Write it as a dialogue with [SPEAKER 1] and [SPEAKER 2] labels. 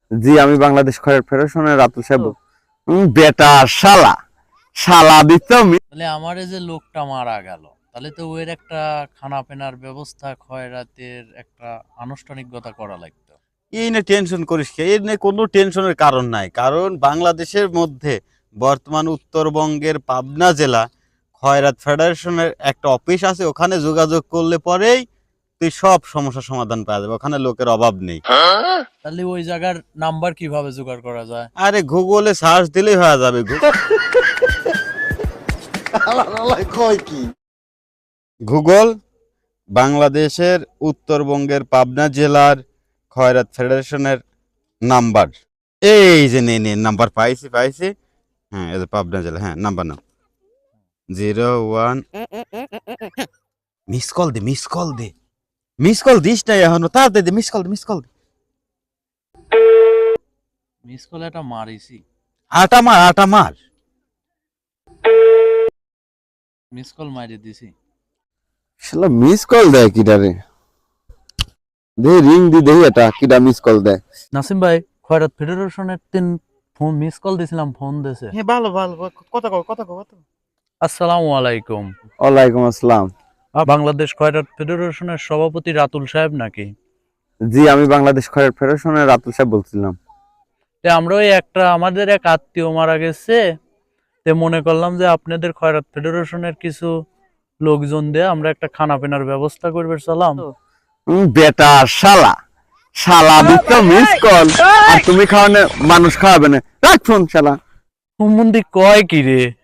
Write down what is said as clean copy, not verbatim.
[SPEAKER 1] জি আমি বাংলাদেশ খয়রাত ফেডারেশনের রাতুল সাহেব বেটা শালা শালা দিত
[SPEAKER 2] তাহলে আমার এই যে লোকটা মারা গেল, তাহলে তো ওর একটা খানা পেনার ব্যবস্থা খয়রাতের একটা আনুষ্ঠানিকতা করা লাগতো।
[SPEAKER 3] এই নিয়ে টেনশন করিস কে? এর নিয়ে কোনো টেনশনের কারণ নাই, কারণ বাংলাদেশের মধ্যে বর্তমান উত্তরবঙ্গের পাবনা জেলা খয়রাত ফেডারেশনের একটা অফিস আছে, ওখানে যোগাযোগ করলে পরেই তুই সব সমস্যার সমাধান পাওয়া যাবে, ওখানে লোকের অভাব নেই।
[SPEAKER 2] তাহলে ওই জায়গার নাম্বার কিভাবে জোগাড় করা যায়?
[SPEAKER 3] আরে গুগলে সার্চ দিলেই হয়ে যাবে। গুগল বাংলাদেশের উত্তরবঙ্গের পাবনা জেলার খয়রাত ফেডারেশনের নাম্বার, এই যে নে নাম্বার পাইছি। হ্যাঁ এই যে পাবনা জেলা, হ্যাঁ নাম্বার নাও 01। মিস কল দে মিস কল দিস না এখনো, তাড়াতাড়ি দে, মিস কল দে।
[SPEAKER 2] মিস কল এটা মারিছি,
[SPEAKER 3] আটা মার।
[SPEAKER 2] মিস কল মারি দিছি।
[SPEAKER 1] শালা মিস কল দেয় কিডারে দে রিং দি দেই এটা কিডা মিস কল দেয়।
[SPEAKER 2] নাসিম ভাই, খয়রাত ফেডারেশনের 3 ফোন মিস কল দিছিলাম, ফোন দিছে।
[SPEAKER 3] হ্যাঁ ভালো কথা কও।
[SPEAKER 2] আসসালামু আলাইকুম।
[SPEAKER 1] ওয়ালাইকুম আসসালাম।
[SPEAKER 2] বাংলাদেশ খয়রাত ফেডারেশনের সভাপতি রাতুল সাহেব নাকি?
[SPEAKER 1] জি আমি বাংলাদেশ খয়রাত ফেডারেশনের রাতুল সাহেব বলছিলাম।
[SPEAKER 2] আমরা ওই একটা আমাদের এক আত্মীয় মারা গেছে, তে মনে করলাম যে আপনাদের খয়রাত ফেডারেশনের কিছু লোকজন দিয়ে আমরা একটা খানা পেনার ব্যবস্থা করবে সালাম।
[SPEAKER 1] বেটা শালা শালা দিত মিস কল আর তুমি খাওয়ানে মানুষ খাওয়াবে না, রাখ ফোন শালা।
[SPEAKER 2] হুমুন্দি কয় কি রে?